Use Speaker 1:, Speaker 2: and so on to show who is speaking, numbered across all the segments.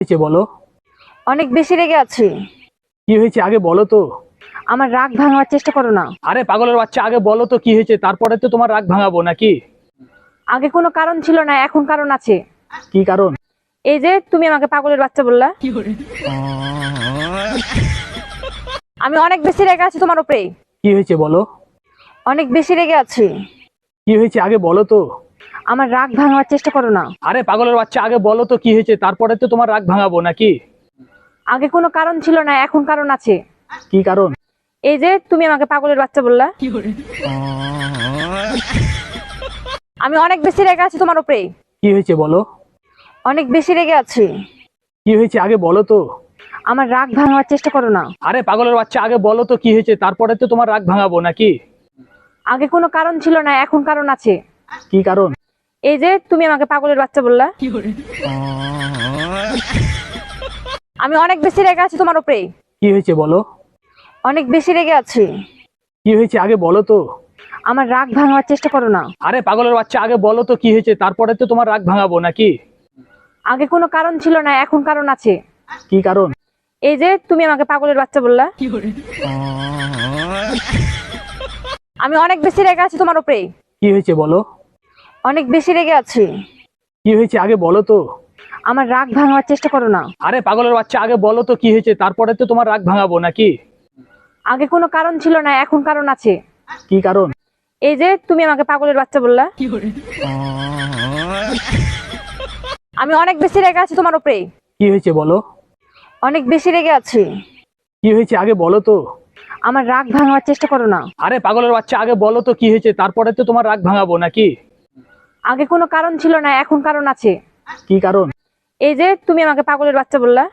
Speaker 1: হয়েছে বলো।
Speaker 2: অনেক বেশি রেগে আছি।
Speaker 1: কি হয়েছে আগে বলো তো।
Speaker 2: আমার রাগ ভাঙার চেষ্টা করো না।
Speaker 1: আরে পাগলের বাচ্চা, আগে বলো তো কি হয়েছে, তারপরে তো তোমার রাগ ভাঙাবো নাকি।
Speaker 2: আগে কোনো কারণ ছিল না, এখন কারণ আছে।
Speaker 1: কি কারণ?
Speaker 2: এই যে তুমি আমাকে পাগলের বাচ্চা বললা। আমি অনেক বেশি রেগে আছি তোমার উপরে।
Speaker 1: কি হয়েছে বলো।
Speaker 2: অনেক বেশি রেগে আছি।
Speaker 1: কি হয়েছে আগে বলো তো।
Speaker 2: আমার রাগ ভাঙার চেষ্টা করো না।
Speaker 1: আরে পাগলের বাচ্চা, আগে বলো তো কি হয়েছে, তারপরে তো তোমার রাগ ভাঙাবো নাকি।
Speaker 2: আগে কোনো কারণ ছিল না, এখন কারণ আছে।
Speaker 1: কি কারণ?
Speaker 2: এই যে তুমি আমাকে পাগলের বাচ্চা বললা। আমি অনেক বেশি রেগে আছি তোমার উপরে।
Speaker 1: কি হয়েছে বলো।
Speaker 2: অনেক বেশি রেগে আছি।
Speaker 1: কি হয়েছে আগে বলো তো।
Speaker 2: আমার রাগ ভাঙার চেষ্টা করো না।
Speaker 1: আরে পাগলের বাচ্চা, আগে বলো তো কি হয়েছে, তারপরে তো তোমার রাগ ভাঙাবো নাকি।
Speaker 2: আগে কোনো কারণ ছিল না, এখন কারণ আছে।
Speaker 1: কি কারণ?
Speaker 2: এই যে তুমি আমাকে পাগলের বাচ্চা বললা। আমি অনেক বেশি রেগে আছি তোমার উপরে।
Speaker 1: কি হয়েছে বলো।
Speaker 2: অনেক বেশি রেগে আছি।
Speaker 1: কি হয়েছে আগে বলো তো।
Speaker 2: আমার রাগ ভাঙার চেষ্টা করো না।
Speaker 1: আরে পাগলের বাচ্চা, আগে বলো তো কি হয়েছে, তারপরে তো তোমার রাগ ভাঙাবো নাকি।
Speaker 2: আগে কোনো কারণ ছিল না, এখন কারণ আছে।
Speaker 1: কি কারণ?
Speaker 2: এই যে তুমি আমাকে পাগলের বাচ্চা বললা। আমি অনেক বেশি রেগে আছি তোমার উপরে।
Speaker 1: কি হয়েছে বলো।
Speaker 2: অনেক বেশি রেগে আছি।
Speaker 1: কি হয়েছে আগে বলো তো।
Speaker 2: আমার রাগ ভাঙার চেষ্টা করো না।
Speaker 1: আরে পাগলের বাচ্চা, আগে বলো তো কি হয়েছে, তারপরে তো তোমার রাগ ভাঙাবো নাকি।
Speaker 2: আগে কোনো কারণ ছিল না, এখন কারণ আছে।
Speaker 1: কি কারণ?
Speaker 2: এই যে তুমি আমাকে পাগলের বাচ্চা বললা। আমি অনেক বেশি রেগে আছি তোমার উপরে।
Speaker 1: কি হয়েছে বলো।
Speaker 2: অনেক বেশি রেগে আছি।
Speaker 1: কি হয়েছে আগে বলো তো।
Speaker 2: আমার রাগ ভাঙার চেষ্টা করো না।
Speaker 1: আরে পাগলের বাচ্চা, আগে বলো তো কি হয়েছে, তারপরে তো তোমার রাগ ভাঙাবো নাকি।
Speaker 2: আগে কোনো কারণ ছিল না, এখন কারণ আছে।
Speaker 1: কি কারণ?
Speaker 2: এই যে তুমি আমাকে পাগলের বাচ্চা বললা।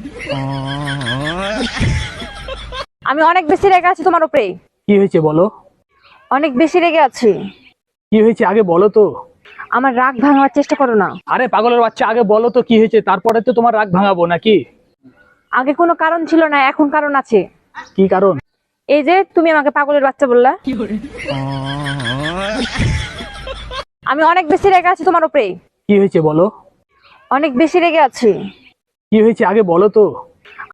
Speaker 2: আমি অনেক বেশি রেগে আছি তোমার উপরে।
Speaker 1: কি হয়েছে বলো।
Speaker 2: অনেক বেশি রেগে আছি।
Speaker 1: কি হয়েছে আগে বলো তো।
Speaker 2: আমার রাগ ভাঙার চেষ্টা করো না।
Speaker 1: আরে পাগলের বাচ্চা, আগে বলো তো কি হয়েছে, তারপরে তো তোমার রাগ ভাঙাবো নাকি।
Speaker 2: আগে কোনো কারণ ছিল না, এখন কারণ আছে।
Speaker 1: কি কারণ?
Speaker 2: এই যে তুমি আমাকে পাগলের বাচ্চা বললা। আমি অনেক বেশি রেগে আছি তোমার উপরে।
Speaker 1: কি হয়েছে বলো।
Speaker 2: অনেক বেশি রেগে আছি।
Speaker 1: কি হয়েছে আগে বলো তো।